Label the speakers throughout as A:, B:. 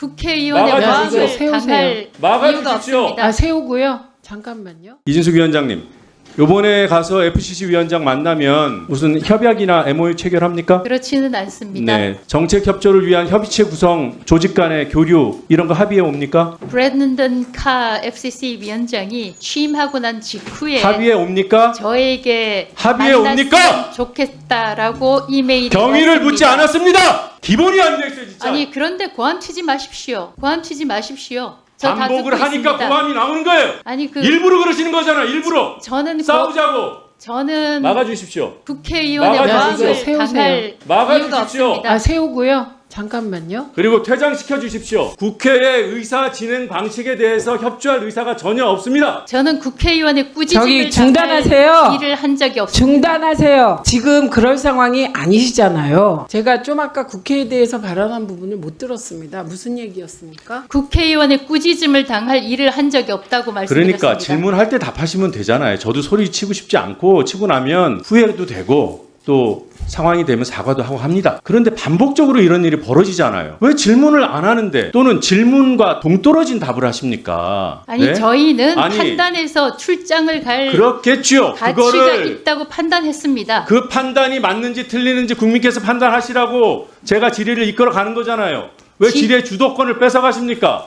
A: 국회의원의
B: 막아주십시오.
A: 마음을 당할 이유가
B: 막아주십시오.
A: 없습니다.
C: 아, 세우고요. 잠깐만요.
B: 이진숙 위원장님, 요번에 가서 FCC 위원장 만나면 무슨 협약이나 MOU 체결합니까?
A: 그렇지는 않습니다.
B: 네, 정책 협조를 위한 협의체 구성, 조직 간의 교류 이런 거 합의해 옵니까?
A: 브랜든 카 FCC 위원장이 취임하고 난 직후에
B: 합의해 옵니까?
A: 저에게
B: 합의해
A: 만났으면
B: 옵니까?
A: 좋겠다라고 이메일이
B: 경위를
A: 왔습니다.
B: 묻지 않았습니다. 기본이 안 돼 있어요, 진짜.
A: 아니 그런데 고함 튀지 마십시오. 고함 튀지 마십시오. 저 다
B: 반복을
A: 듣고
B: 하니까
A: 있습니다.
B: 고함이 나오는 거예요.
A: 아니 그
B: 일부러 그러시는 거잖아요. 일부러
A: 저는
B: 싸우자고.
A: 저는
B: 막아주십시오.
A: 국회의원의
B: 막아주십시오.
A: 마음을
C: 세우세요.
A: 당할
B: 막아주십시오.
A: 이유가 없습니다.
C: 아, 세우고요. 잠깐만요.
B: 그리고 퇴장시켜 주십시오. 국회의 의사 진행 방식에 대해서 협조할 의사가 전혀 없습니다.
A: 저는 국회의원의 꾸짖음을
C: 저기 중단하세요.
A: 당할 일을 한 적이 없습니다.
C: 중단하세요. 지금 그럴 상황이 아니시잖아요. 제가 좀 아까 국회에 대해서 발언한 부분을 못 들었습니다. 무슨 얘기였습니까?
A: 국회의원의 꾸짖음을 당할 일을 한 적이 없다고 말씀드렸습니다.
B: 그러니까 질문할 때 답하시면 되잖아요. 저도 소리 치고 싶지 않고 치고 나면 후회도 되고 또 상황이 되면 사과도 하고 합니다. 그런데 반복적으로 이런 일이 벌어지잖아요. 왜 질문을 안 하는데 또는 질문과 동떨어진 답을 하십니까?
A: 아니
B: 네?
A: 저희는
B: 아니,
A: 판단해서 출장을 갈
B: 그렇겠지요.
A: 가치가
B: 그거를
A: 있다고 판단했습니다.
B: 그 판단이 맞는지 틀리는지 국민께서 판단하시라고 제가 질의를 이끌어 가는 거잖아요. 왜 질의 주도권을 뺏어가십니까?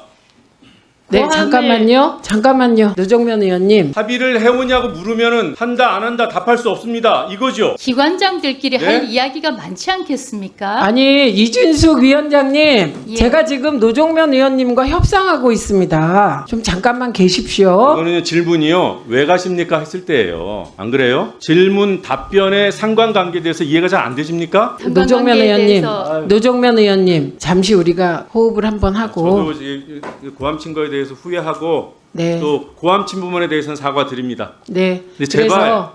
C: 네,
A: 고함을-
C: 잠깐만요. 노정면 의원님.
B: 합의를 해오냐고 물으면은 한다 안 한다 답할 수 없습니다. 이거죠.
A: 기관장들끼리
B: 네?
A: 할 이야기가 많지 않겠습니까?
C: 아니, 이준숙 위원장님.
A: 예.
C: 제가 지금 노정면 의원님과 협상하고 있습니다. 좀 잠깐만 계십시오.
B: 이거는 질문이요. 왜 가십니까 했을 때예요. 안 그래요? 질문 답변의 상관관계에 대해서 이해가 잘 안 되십니까?
C: 노정면
A: 상관관계에
C: 의원님.
A: 대해서
C: 노정면 의원님. 잠시 우리가 호흡을 한번 하고.
B: 저도 이 고함 친 거에 대해서 후회하고
C: 네.
B: 또 고함 친 부분에 대해서는 사과드립니다.
C: 네.
B: 근데 제발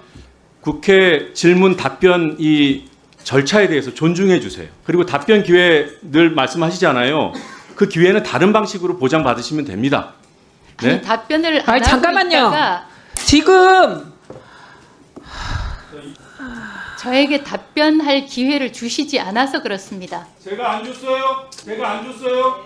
B: 국회 질문 답변 이 절차에 대해서 존중해 주세요. 그리고 답변 기회 늘 말씀하시잖아요. 그 기회는 다른 방식으로 보장받으시면 됩니다. 네?
A: 아니, 답변을 안
C: 아니,
A: 하고
C: 잠깐만요.
A: 있다가
C: 지금
A: 저에게 답변할 기회를 주시지 않아서 그렇습니다.
B: 제가 안 줬어요. 제가 안 줬어요.